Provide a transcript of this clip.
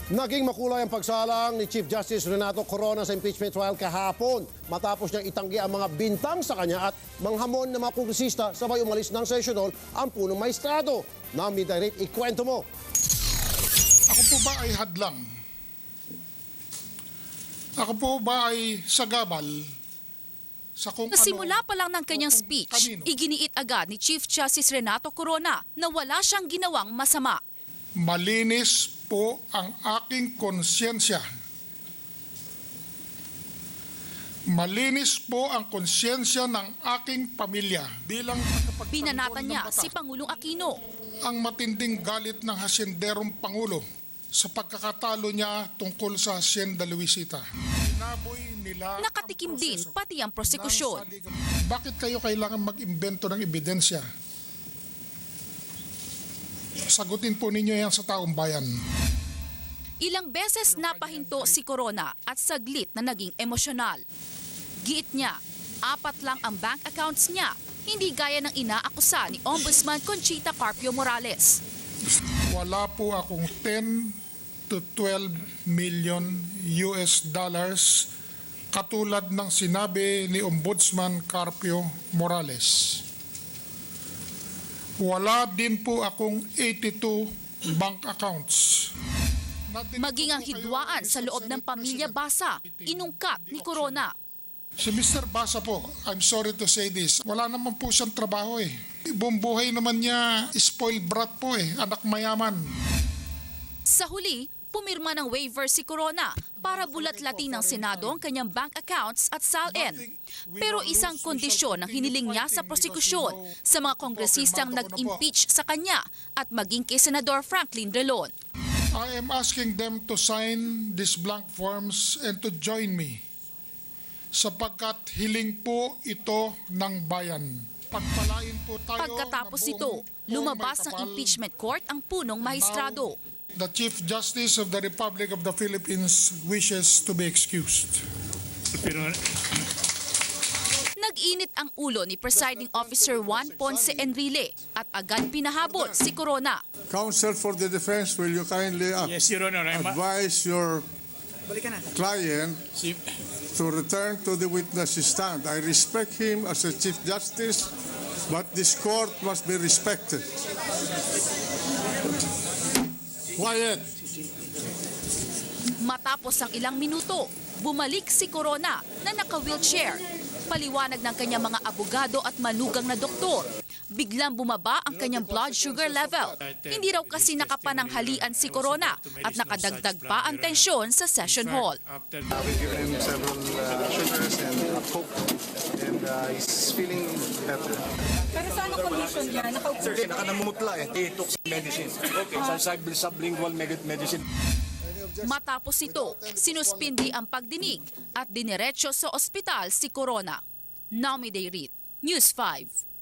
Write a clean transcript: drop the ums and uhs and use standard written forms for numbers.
Naging makulay ang pagsalang ni Chief Justice Renato Corona sa impeachment trial kahapon matapos niyang itanggi ang mga bintang sa kanya at manghamon ng mga kongresista sabay umalis ng session hall ang punong maestrado. Nami Direct, ikwento mo. Ako po ba ay hadlang? Ako po ba ay sagabal sa kung Nasimula pa lang ng kanyang speech, kanino? iginiit agad ni Chief Justice Renato Corona na wala siyang ginawang masama. Malinis po ang aking konsyensya. Malinis po ang konsyensya ng aking pamilya bilang Binanatan niya ng si bata. Pangulong Aquino. Ang matinding galit ng hasyenderong Pangulo sa pagkakatalo niya tungkol sa Hacienda Luisita. Inaboy nila Nakatikim ang din proseso pati ang ng prosekusyon. Bakit kayo kailangan mag-imbento ng ebidensya? Sagutin po ninyo yan sa taong bayan. Ilang beses napahinto si Corona at saglit na naging emosyonal. Giit niya, 4 lang ang bank accounts niya, hindi gaya ng inaakusa ni Ombudsman Conchita Carpio Morales. Wala po akong 10 to 12 million US dollars katulad ng sinabi ni Ombudsman Carpio Morales. Wala din po akong 82 bank accounts. Maging ang hidwaan sa loob ng pamilya Basa, inungkat ni Corona. Si Mr. Basa po, I'm sorry to say this, wala naman po siyang trabaho eh. Buong buhay naman niya, spoiled brat po eh, anak mayaman. Sa huli, pumirma ng waiver si Corona para bulat-latin ng Senado ang kanyang bank accounts at SALN. Pero isang kondisyon ang hiniling niya sa prosekusyon sa mga kongresistang nag-impeach sa kanya at maging kay Senador Franklin Drilon. I am asking them to sign these blank forms and to join me sapagkat hiling po ito ng bayan. Pagpalain po tayo Pagkatapos na nito, buong lumabas may ng kapal. impeachment court ang punong mahistrado. The Chief Justice of the Republic of the Philippines wishes to be excused. Nag-init ang ulo ni Presiding Officer Juan Ponce Enrile at agad pinahabol si Corona. Counsel for the defense, will you kindly Yes, Your Honor. advise your client to return to the witness stand? I respect him as a Chief Justice, but this court must be respected. Quiet. Matapos ang ilang minuto, bumalik si Corona na naka-wheelchair. Paliwanag ng kanyang mga abogado at manugang na doktor. Biglang bumaba ang kanyang blood sugar level. Hindi raw kasi nakapananghalian si Corona at nakadagdag pa ang tensyon sa session hall. We've given him several sugars and coke, and he's feeling better. Pero sa anong condition niya? Nakaupo. Sir, nakanamumutla eh. He took some medicine. Okay. Sublingual medicine. Matapos ito, sinuspindi ang pagdinig at diniretso sa ospital si Corona. Nami Dayrit, News 5.